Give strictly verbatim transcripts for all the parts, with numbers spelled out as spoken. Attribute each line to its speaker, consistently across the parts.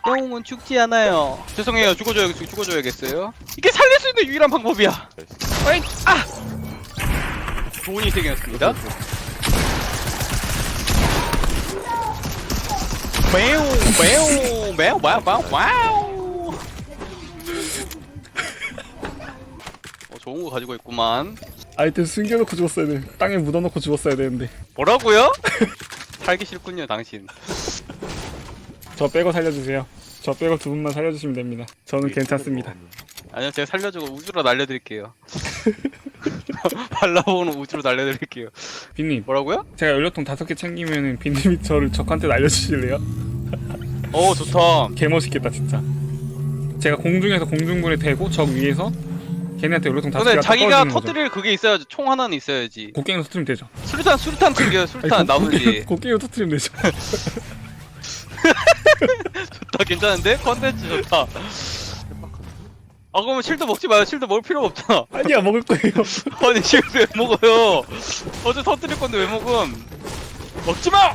Speaker 1: 영웅은 죽지 않아요. 죄송해요. 죽어줘야 죽어줘야겠어요. 이게 살릴 수 있는 유일한 방법이야. 어이, 아! 좋은 인생이었습니다. 매우 매우 매우 와우 와우 와우. 어, 좋은 거 가지고 있구만.
Speaker 2: 아이템 숨겨놓고 죽었어야 돼. 땅에 묻어놓고 죽었어야 되는데.
Speaker 1: 뭐라고요? 살기 싫군요, 당신.
Speaker 2: 저 빼고 살려주세요. 저 빼고 두 분만 살려주시면 됩니다. 저는 괜찮습니다.
Speaker 1: 아니요, 제가 살려주고 우주로 날려드릴게요. 발라보는 우주로 날려드릴게요.
Speaker 2: 빈님,
Speaker 1: 뭐라고요?
Speaker 2: 제가 연료통 다섯 개 챙기면은 빈님이 저를 적한테 날려주실래요?
Speaker 1: 오, 좋다.
Speaker 2: 개멋있겠다 진짜. 제가 공중에서 공중불에 대고 적 위에서 걔네한테 연료통 다섯
Speaker 1: 근데
Speaker 2: 개가
Speaker 1: 자기가
Speaker 2: 떨어지는 거죠.
Speaker 1: 터뜨릴 그게 있어야지. 총 하나는 있어야지.
Speaker 2: 곡괭이로 터뜨리면 되죠.
Speaker 1: 수류탄 수류탄 튕겨요. 수류탄 나머지.
Speaker 2: 곡괭이로 터뜨리면 되죠.
Speaker 1: 좋다, 괜찮은데? 컨텐츠 좋다. 아, 그러면 실드 먹지 마요. 실드 먹을 필요가 없잖아.
Speaker 2: 아니야, 먹을 거예요.
Speaker 1: 아니, 실드 왜 먹어요? 어제 터뜨릴 건데 왜 먹음? 먹지 마!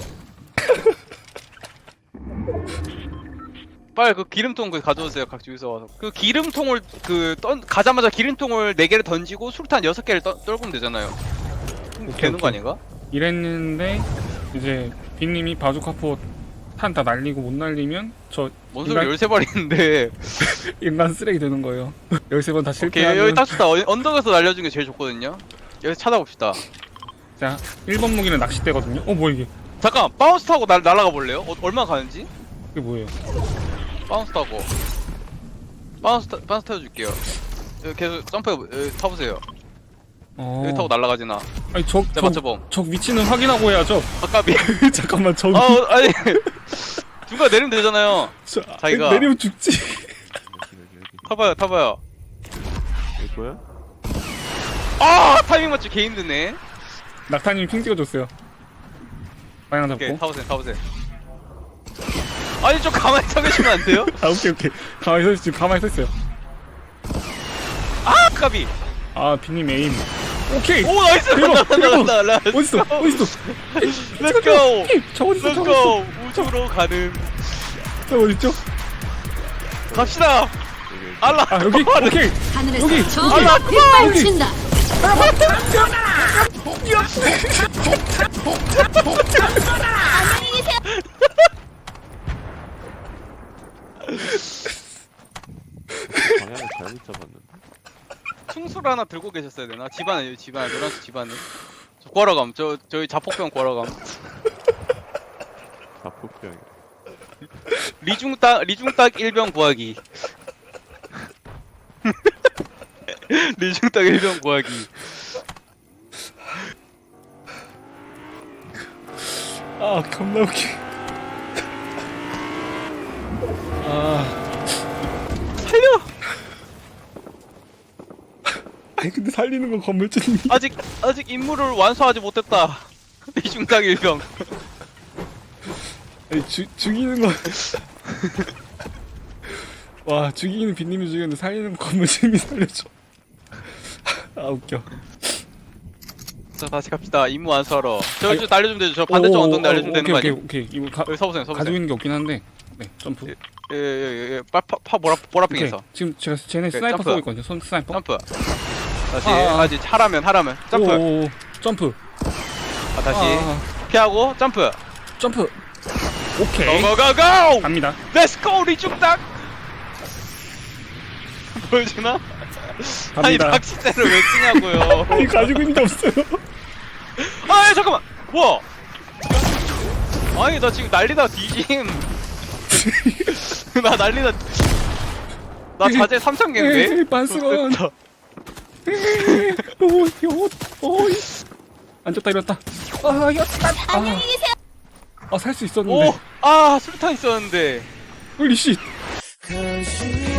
Speaker 1: 빨리 그 기름통 그 가져오세요. 각 주유소 와서. 그 기름통을 그 던 가자마자 기름통을 네 개를 던지고 수류탄 여섯 개를 떠, 떨구면 되잖아요.
Speaker 2: 오케이,
Speaker 1: 되는 거
Speaker 2: 오케이.
Speaker 1: 아닌가?
Speaker 2: 이랬는데 이제 빈님이 바주카포 탄 다 날리고 못 날리면 저
Speaker 1: 뭔 소리
Speaker 2: 인간,
Speaker 1: 열세 발이는데.
Speaker 2: 인간 쓰레기 되는 거예요. 열세 번 다
Speaker 1: 오케이,
Speaker 2: 실패하면.
Speaker 1: 여기 딱 좋다. 어, 언덕에서 날려준 게 제일 좋거든요. 여기서 찾아봅시다.
Speaker 2: 자, 일 번 무기는 낚싯대거든요. 어, 뭐 이게?
Speaker 1: 잠깐, 바운스 타고 날, 날아가 볼래요? 어, 얼마 가는지?
Speaker 2: 이게 뭐예요?
Speaker 1: 바운스 타고. 바운스, 타, 바운스 타줄게요. 여기 계속 점프, 여기 타보세요.
Speaker 2: 어.
Speaker 1: 여기 타고 날아가지나.
Speaker 2: 아니, 적,
Speaker 1: 자,
Speaker 2: 적,
Speaker 1: 맞춰봄.
Speaker 2: 적 위치는 확인하고 해야죠.
Speaker 1: 아까비.
Speaker 2: 잠깐만, 저기.
Speaker 1: 아, 어, 아니. 중간 내리면 되잖아요.
Speaker 2: 저,
Speaker 1: 자기가-
Speaker 2: 내리면 죽지.
Speaker 1: 타봐요, 타봐요.
Speaker 3: 여기 뭐야?
Speaker 1: 아, 타이밍 맞추기 개 힘드네.
Speaker 2: 낙타님 핑 찍어줬어요. 방향
Speaker 1: 오케이,
Speaker 2: 잡고.
Speaker 1: 타보세요, 타보세요. 아니, 좀 가만히 서 계시면 안 돼요?
Speaker 2: 아, 오케이, 오케이. 가만히 서 있, 지금 가만히 서 있어요.
Speaker 1: 아, 아까비.
Speaker 2: 아, 빈님 에임. 오케이!
Speaker 1: 오, 나이스!
Speaker 2: 대박,
Speaker 1: 간다, 간다,
Speaker 2: 대박.
Speaker 1: 간다. 렛츠
Speaker 2: 어딨어?
Speaker 1: 고.
Speaker 2: 어딨어?
Speaker 1: 렛츠 고!
Speaker 2: 저 어딨어?
Speaker 1: 렛츠
Speaker 2: 저 어딨어?
Speaker 1: 고! 우주로 가는.
Speaker 2: 저 어딨죠?
Speaker 1: 갑시다! 알라!
Speaker 2: 아, 여기? 오케이!
Speaker 4: 하늘에서
Speaker 2: 여기!
Speaker 4: 적을
Speaker 1: 알라,
Speaker 4: 빗발친다. 안녕히 계세요.
Speaker 3: 방향을 잘못 잡았는데.
Speaker 1: 충수를 하나 들고 계셨어야 되나? 집안에, 여기 집안에, 노란색 집안에. 저 구하러 감. 저, 저희 자폭병 구하러 감.
Speaker 3: 자폭병이.
Speaker 1: 리중딱, 리중딱 일병 구하기. 리중딱 일병 구하기.
Speaker 2: 아, 겁나 웃기. 아.
Speaker 1: 살려!
Speaker 2: 아니, 근데 살리는 건 건물주님이.
Speaker 1: 아직, 아직 임무를 완수하지 못했다. 리중딱 일병.
Speaker 2: 아니, 죽, 죽이는 건. 와, 죽이는 빈님이 죽였는데 살리는 건 건물주님이 살려줘. 아, 웃겨.
Speaker 1: 자, 다시 갑시다. 임무 완수하러. 저,
Speaker 2: 아니,
Speaker 1: 저 날려주면 되죠. 저 반대쪽
Speaker 2: 오,
Speaker 1: 언덕
Speaker 2: 오,
Speaker 1: 날려주면
Speaker 2: 오,
Speaker 1: 되는 거
Speaker 2: 오케이,
Speaker 1: 아니에요?
Speaker 2: 오케이, 오케이. 이거 가,
Speaker 1: 여기 서보세요, 서보세요.
Speaker 2: 가지고 있는 게 없긴 한데. 네, 점프.
Speaker 1: 예, 예, 예, 예. 파, 파, 파, 보라,
Speaker 2: 오케이.
Speaker 1: 보라핑에서.
Speaker 2: 지금 제가 쟤네
Speaker 1: 오케이,
Speaker 2: 스나이퍼
Speaker 1: 점프.
Speaker 2: 쏘고 있거든요. 손 스나이퍼.
Speaker 1: 점프. 다시,
Speaker 2: 아, 아.
Speaker 1: 다시, 하라면, 하라면. 점프.
Speaker 2: 오, 오, 오. 점프.
Speaker 1: 아, 다시.
Speaker 2: 아,
Speaker 1: 피하고, 점프.
Speaker 2: 점프. 오케이.
Speaker 1: 고고고고!
Speaker 2: 갑니다.
Speaker 1: 렛츠고, 리중딱! 보여주나? 아니,
Speaker 2: 갑니다.
Speaker 1: 낚싯대를 왜 쓰냐고요.
Speaker 2: 아니, 가지고 있는 게 없어요.
Speaker 1: 아, 야, 잠깐만! 뭐야? 아니, 나 지금 난리다, 뒤짐. 나 난리다. 나 자제 삼천 개인데?
Speaker 2: 에이, 반스건. 오, 요, 오, 앉았다 일었다. 아, 이었다.
Speaker 4: 안녕히 계세요.
Speaker 2: 아, 살 수 있었는데.
Speaker 1: 오! 아, 술탄 있었는데.
Speaker 2: 홀리 씨.
Speaker 5: Cause you